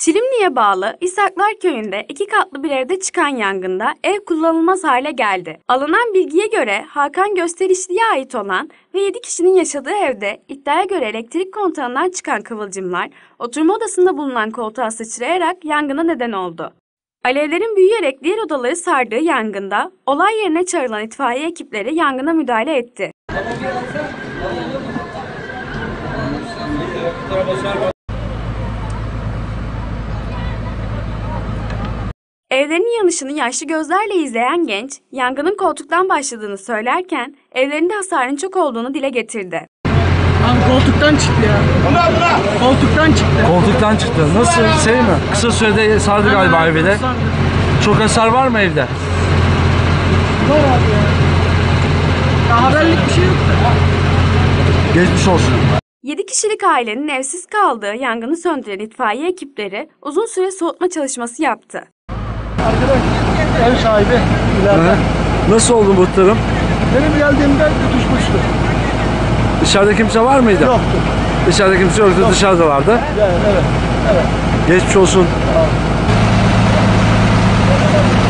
Çilimli'ye bağlı İshaklar Köyü'nde 2 katlı bir evde çıkan yangında ev kullanılmaz hale geldi. Alınan bilgiye göre Hakan Gösterişli'ye ait olan ve 7 kişinin yaşadığı evde iddiaya göre elektrik kontağından çıkan kıvılcımlar oturma odasında bulunan koltuğa sıçrayarak yangına neden oldu. Alevlerin büyüyerek diğer odaları sardığı yangında olay yerine çağrılan itfaiye ekipleri yangına müdahale etti. Evlerinin yanışını yaşlı gözlerle izleyen genç, yangının koltuktan başladığını söylerken evlerinde hasarın çok olduğunu dile getirdi. Abi koltuktan çıktı ya. Koltuktan çıktı. Koltuktan çıktı. Nasıl? Şey mi? Kısa sürede sardı galiba evi de. Çok hasar var mı evde? Var abi ya. Ya haberlik bir şey yok da. Geçmiş olsun. 7 kişilik ailenin evsiz kaldığı yangını söndüren itfaiye ekipleri uzun süre soğutma çalışması yaptı. Arkadaş ev sahibi ileride. Nasıl oldu muhtarım? Benim geldiğimde tutuşmuştu. Dışarıda kimse var mıydı? Yoktu. Dışarıda kimse yoktu, dışarıdalardı. Yani, evet. Geçmiş olsun. Tamam.